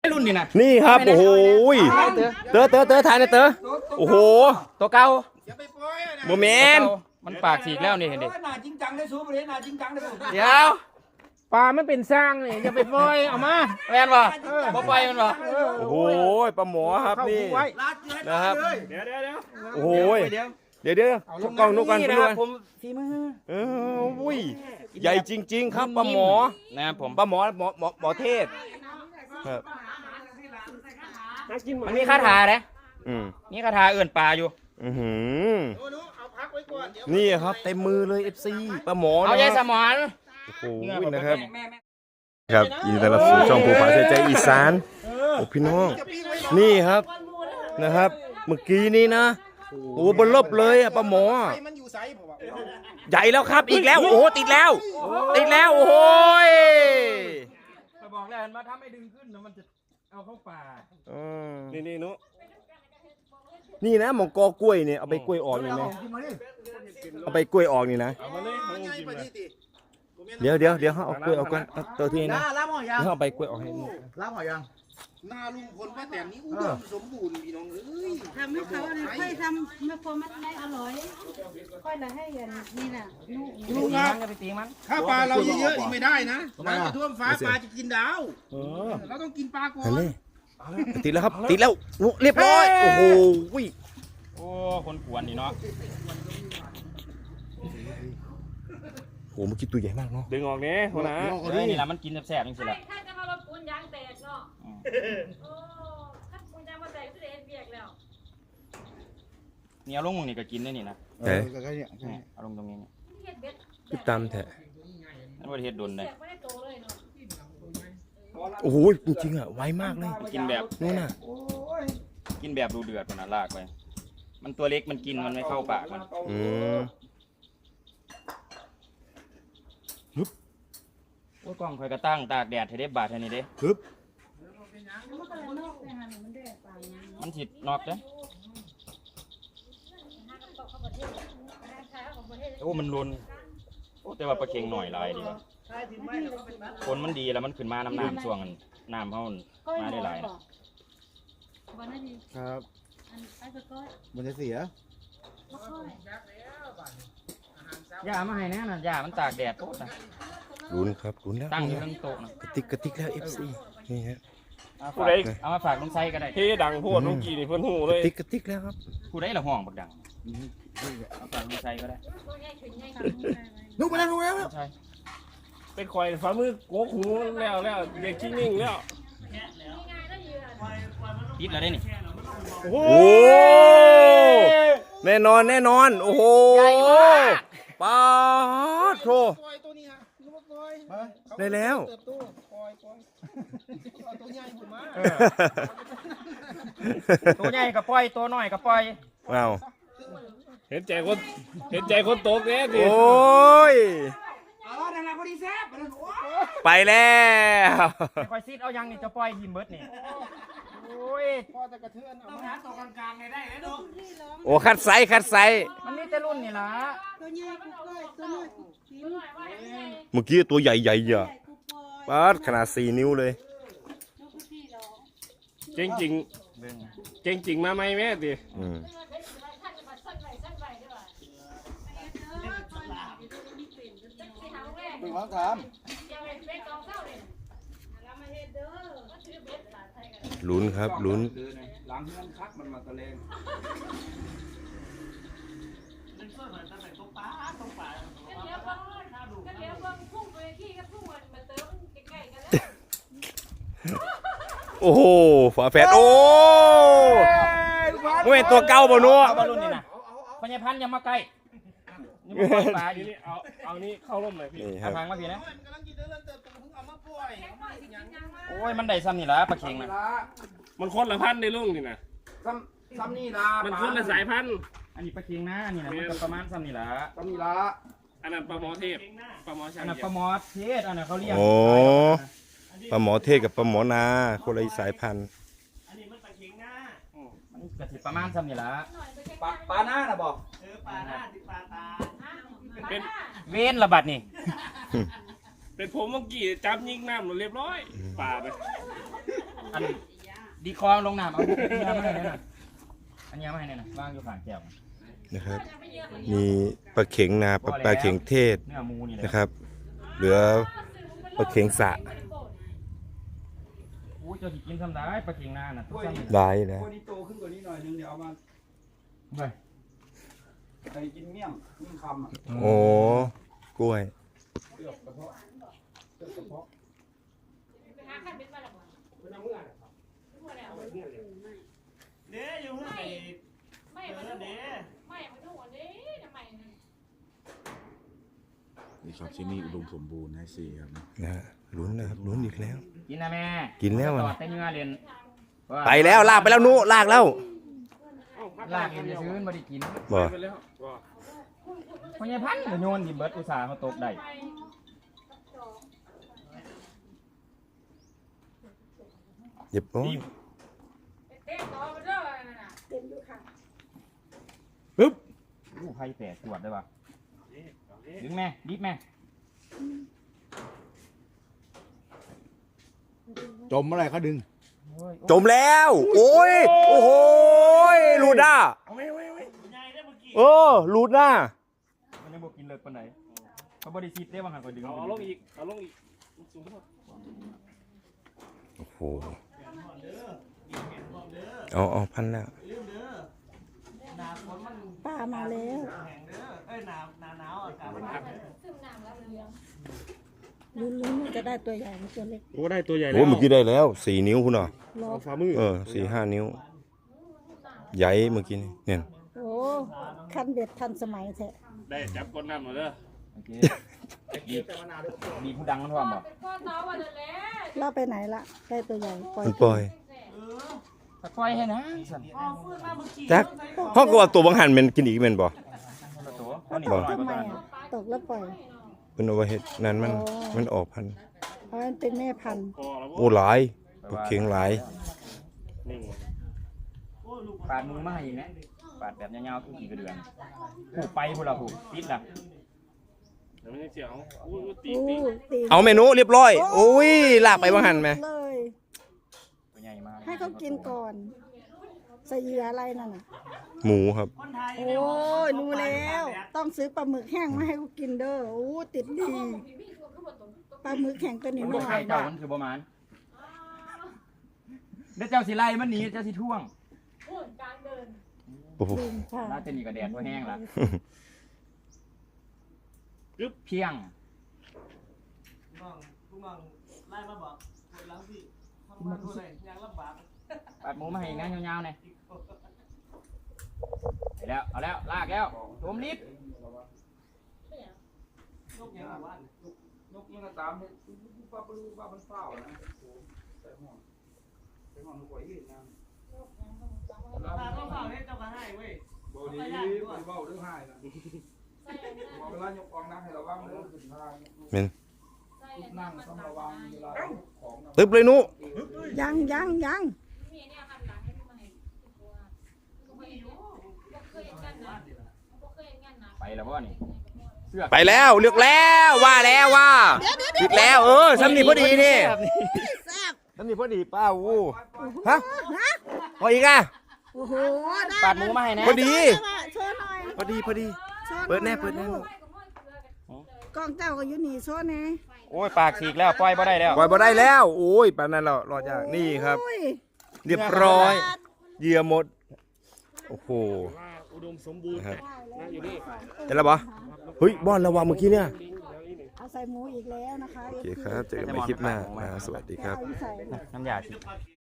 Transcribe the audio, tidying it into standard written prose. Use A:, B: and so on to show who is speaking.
A: รุ่นนี่นะ
B: นี่ครับโอ้โหเต๋อถ่ายนะเต๋อโอ้โห
A: ตัวเก่า
B: โมเมนต์
A: มันปากฉีกแล้วนี่เห็นดิ
C: หน้าจริงจังได้สู้ประเทศหน้าจริงจังได้
A: เดี๋ยว
D: ปลาไม่เป็นสร้างนี่อย่าไปปล่อยเอามา
A: แม่นบ่บ่ไปมันบ่
B: โอ้โหปลาหมอครับนี่นะครับโอ้โหเดี๋ยวทุกกล้องนุกกัน
A: นี่
B: ไป
A: นะ
B: ด้
A: ค
B: ว
A: รั
B: ย
A: บผมฝีมือ
B: อุ้ยใหญ่จริงๆครับปลาหมอ
A: นะครับผม
B: ปลาหมอเทศครับ
A: มันมีคาถาเด้
B: อืม
A: มีคาถาเอื่นปลาอยู่
B: นี่ครับเต็มมือเลย FC ปลาหมอ
A: เอาใจสมอน
B: โอ้โหนะครับครับยินดีต้อนรับสู่ช่องภูผาใจอีสานโอ้พี่น้องนี่ครับนะครับ เมื่อกี้นี้นะโอ้บนลบเลยอะปลาหมอใหญ่แล้วครับอีกแล้วโอ้โหติดแล้วโอ้โห
A: บอกแล้วมาถ้าไม่ดึงขึ้นมันจะเอาเข้าป่า
B: นี่นุนี่นะหมองกอกล้วยเนี่ยเอาไปกล้วยออกนี่นะเอาไปกล้วยออกนี่นะเดี๋ยวเขาเอากล้วยออกก่อนเอาตัวที่นี่นะเขาเอาไปกล้วยออกให้หมด
C: รับหอยยังหน้าลุงพลป้าแตนนี่อุดมสมบูรณ์พี่น้องเอ้ย
E: ทำให้เขาเนี่ยค่อยทำไม่พอมันได้อร่อยค่อยละให้อย่างนี่น่ะลูก
A: ตีมันจะไปตีมัน
C: ถ้าปลาเราเยอะๆนี่ไม่ได้นะน้ำจะท่วมฟ้าปลาจะกินดาวเราต้องกินปลาก่อน
B: นี่ติดแล้วครับติดแล้วเรียบร้อยโอ้โห
A: โอ้คนขวนนี่เนาะ
B: โอ้เมื่อกี้ตัวใหญ่มากเนาะ
F: ดึงออกนี้หัวหน้า
A: นี่แหละมันกินแซ่บๆจริงๆแหละ
E: ถ้าจะมาลดปูนยางแตกเนาะโอ้ถ้าปูนยางมาแตกก็จะเอ็นเบียกแล้ว
A: เนี่ยลงมึงนี่ก็กินได้นี่นะ
B: เอ๊ะ
A: เอาลงตรงนี้นี่
E: เฮ็ดเบ็ด
B: ติดตามแท้
A: นั่นประเทศดนเลย
E: แตกไม่ได้โตเลยเนาะ
B: โอ้โหจริงๆอ่ะไวมากเลย
A: กินแบบ
B: นู่นน่ะ
A: กินแบบดูเดือดมันนะลากไปมันตัวเล็กมันกินมันไม่เข้าปากมัน
B: อืม
A: โอ้ยกล้องคอยกระตั้งตากแดดให้ได้บาดเท่านี้เด้
B: ฮึบ
E: มันก็เลยนอกไปหาหนูมันได้ปลาเนี่ย
A: มันถิดนอกเด้
E: หากับตกเข้าประเทศใช้ของประเทศ
A: โอ้มันรุนโอ้แต่ว่าปลาเค็งหน่อยหลายดีวะคนมันดีแล้วมันขึ้นมาน้ำช่วงนั้นน้ำเขามาได้หลายนะ
E: วันนั้นดี
C: ครับ
E: อันไปก็ก้อย
C: มันจะเสีย
E: ก็ก้อย
A: ยามาให้แน่นะยามันตากแดดโต๊ะนะ
B: ลุ้นครับลุ้นแล้ว
A: ตั้งอยู่ทั้งโต๊ะนะ
B: กระติกแล้ว FC นี่ฮะ
F: ผู้ใด
A: เอามาฝากลุงไซก็ได้
F: เฮดังโพดเมื่อกี้นี่เพิ่นหูเลย
B: กระติกแล้วครับ
A: ผู้ได้ละห้องบักดังเอาฝากลุงไซก็ได้
E: ตัวใหญ่ขึ้นใหญ่
C: ลุกมาแล้วลุกแล้ว
A: ใช่
F: เป็นคอยฝ่ามือโกกหูแล้วเด็กขี้นิ่งแล้ว
A: ติดแล้วได้นี่
B: โอ้แน่นอนโอ้โหปลาโถได้แล้ว
C: ตัวใหญ่ผมมา
A: ตัวใหญ่กับปล่อยตัวน้อยกับปล่อย
B: ว้าว
F: เห็นใจคนโตกแน่ดิ
B: โอ้ย
C: นั่นแหละพอดีแซ่บ
B: ไปแล้ว
A: คอยซีดเอายังนี่จะปล่อยหิมเบิดนี่โอ้ย
C: พอจะกระเทือนเอาหาตัวกลางๆได้เลยเนาะ
B: โอ้คัดไซส์
A: มันมีแต่รุ่นนี่ล่ะ
E: ตัวใหญ่กูก้อยตัวน้อยกูกิน
B: เมื่อกี้ตัวใหญ่ๆอ่ะปาดขนาด4 นิ้วเลย
F: เก่งจริงมาไหมแม่ดิ
B: อืม
C: เป็นของถาม
B: ลุ้นครับลุ้น
C: หลังนั้นคักมันมาตะเลง
B: โอ้โหฝาแฝดโอ้ไม่เป็นตัวเก่าบ่นัว
A: เอาบอลลูนนี่นะพญาพันธุ์อย่ามาใกล้นี่มันปล่อยปลาอยู่
F: นี่เอานี่เข้าร่มเลยพี่
B: นี่ค
A: เอา
B: รับ
A: ทางมาพี่นะ
C: กำลังกินเดินเติบโตเพิ่งเอามาปล่อย
A: โอ้ยมันได้ซ้ำนี่ล่ะปลาเค็งนะ
F: มันคนละพันในลุงนี่นะ
C: ซ้ำนี่ละ
F: มันคนละสายพันธุ์
A: อันนี้ปลาเค็งนะอันนี้นะมันก็ประมาณซ้ำนี่ล่ะ
C: ซ้ำนี่ละ
F: อันนั้นปลาหมอเทพปลาหมอชา
A: อั
F: ง
A: นนั้น
F: เดี
A: ป
F: ย
A: ลาว หมอเทศอันนั้นเขาเรียก
B: โอ้ปลาหมอเทศกับปลาหมอนาคนละสายพันธุ์
A: มันก็สิประมาณซ้ำนี่ล่ะ
C: ปลาหน้านะบอก
F: เป็น
A: เว้นระบัดนี่
F: เป็นผมเมื่อกี้จับยิงน้ำเรียบร้อยป่าไป
A: อันดีคองลงน้ำเอาอันนี้มาให้เนี่ยนะอันนี้มาให้เนี่ยนะวางอยู่ข้างแก้ว
B: นะครับมีปลาเข็งนาปลาเข็งเทศ
A: เนื้อหมูนี่แหละ
B: นะครับเหลือปลาเข็งสะ
A: อู้เจ้าสิกินทำได้ปลาเข็งนาน่ะทุกท่าน
B: หลายนะ
C: ตัวนี้โตขึ้นกว่านี้หน่อยนึงเดี๋ยวเอามา
A: ไป
C: ไปกินเมี่ยงคำอ่ะ
B: โอ้กล้วย
C: เลือกกระเพาะเลือกกระเพาะ
G: นี่ครับที่นี่อุดมสมบูรณ์นะสิครับ
B: นะลุ้นนะครับลุ้นอีกแล้ว
A: กินนะแม่
B: กินแล้ว
A: ต่
B: อ่ะ
A: อแต่เนื้อเรียน
B: ไปแล้วลากไปแล้วนุลากแล้ว
A: ลากเองจะซื้อมาได้กิน
B: บ่
F: ไปแล้วบ่
A: เพราะไงพันธุ์โยนดิเบิร์ดอุตสาห์เขาตกได้
B: เย็บโอ้ย
A: ปึ๊บลูกไผ่แตกตรวจได้ป่ะดึงแม่รีบแม่
G: จมเมื่อไหรเขาดึง
B: จมแล้วโอ้ยโอ้โหลูดหน้าเออลูดหน้า
A: มันยังบอกกินเลิกปานไหนเขาบริสิทธิ์ได้บางหันก็ดึง
F: เอาลงอีกเอาลงอีกสูงเท่า
B: โอ้โหเอาพันแล้ว
E: ป้ามาแล้วลุ้นๆจะได้ตัวใหญ่หรือตัวเล็ก
F: โอ้ได้ตัวใหญ่แล้
B: โอ้
F: ว
B: เมื่อกี้ได้แล้ว4 นิ้วคุณเหรอ
E: รอ
F: ฝ่ามือ
B: 4-5 นิ้วใหญ่เมื่อกี้นี่เนี่ย
E: โอ้คันเด็ดทันสมัยแท้
F: ได้จับก้นน้ำหมดเลย
A: โอเคมีผู้ดังมันท่วมบ่
E: เราไปไหนละได้ตัวใหญ่ปล่อย
B: มันปล่อย
A: ถ้าปล่อยให้นะสั่น
B: จักห้องก็ว่าตัวบางหันมันกินอีกแม่นบ่
A: คนละตัวเขาหนี
B: บ่
A: หน่อย
E: ทำไม
A: ก็ได้
E: อ่ะตกแล้วปล่อย
B: เพิ่นเอาไว้เฮ็ดนั่นมันออกพันธุ์
E: เพราะมันเป็นแม่พันธุ์
F: พอแล้ว
B: โอ้หลายปลาเข็งหลาย
F: นิ่ง
A: ปาดมือมาให้อีกนะปาดแบบยาวๆคือกี่กระเดือนผูกไปพวกเราผูกติดล่ะ
F: เดี๋ยวมันจะเสียวอู้ตี
E: อู้
F: ตี
E: ตี
B: เอาเมนูเรียบร้อยโอ้ยลากไปบางหันไหม
E: เลย
A: ตัวใหญ่มาก
E: ให้เขากินก่อนใส่เหยื่ออะไรนั่นน่ะ
B: หมูครับ
E: โอ้ยรู้แล้ว ต้องซื้อปลาหมึกแห้งมาให้เขากินเด้อโอ้ติดดีปลาหมึกแห้งตัวนี้
A: มัน
E: ห
A: บ่
E: น่อ
A: ไข่
E: ย
A: เจ้ามันคือประมาณเดี๋ยวเจ้าสิไล่มันหนีเจ้าสิท่วง
B: โอ้โห
E: ลืมค่ะ
A: น่าจะหนีกระแดดตัวแห้งละเพียงปาดหมูมาให้อีกนะยาวๆเนี่ยไปแล้วเอาแล้วลากแล้วโจมลิฟ
C: นกยังก็ตามเนี่ยป้าปลูป้ามันเฝ้านะใส่ห่วงนกไว้ยืนนะเฝ้าเนี่ยเจ้าก็ให้เว้ยบ่ดีเฝ้าเรื่องให้นะเวลายกกองนั่งให้ระวังเรื่องขึ้นทาง
B: เม่น
C: นั่งต้องระวังเวลาของ
B: ตึ๊บเลยนุ
E: ยัง
A: ไปแล้วบ่นี่เสื้อ
B: ไปแล้วเลือกแล้วว่าแล้วว่าหยุดแล้วสำนีพอดีนี่สำนีพอดีป้าวูฮะพออีกอ่ะ
E: โอ้โหได้
A: ปาดหมูมาให้นะ
B: พอดี
E: โชว์หน่อย
B: พอดี
E: โชว์หน่อย
B: เปิดแน่เปิดแน่
E: กล้องเจ้าก็อยู่นี่โชว์แน่
A: โอ้ยปากฉีกแล้วปล่อยบ่ได้แล้ว
B: ปล่อยบ่ได้แล้วโอ้ยปานนั้นเรารอจากนี่ครับ
E: โอ้ย
B: เรียบร้อยเหยื่อหมดโอ้โห
F: ว่าอุดมสมบูรณ์
B: นะครับ
F: นะอยู่นี่
B: เห็นแล้วปะเฮ้ยบอลระวังเมื่อกี้เนี่ย
E: เอาใส่หมูอีกแล้วนะคะ
B: โอเคครับเจอกันใหม่คลิปหน้าสวัสดีครับ
E: เอาอีใส่
A: น้ำยาฉีด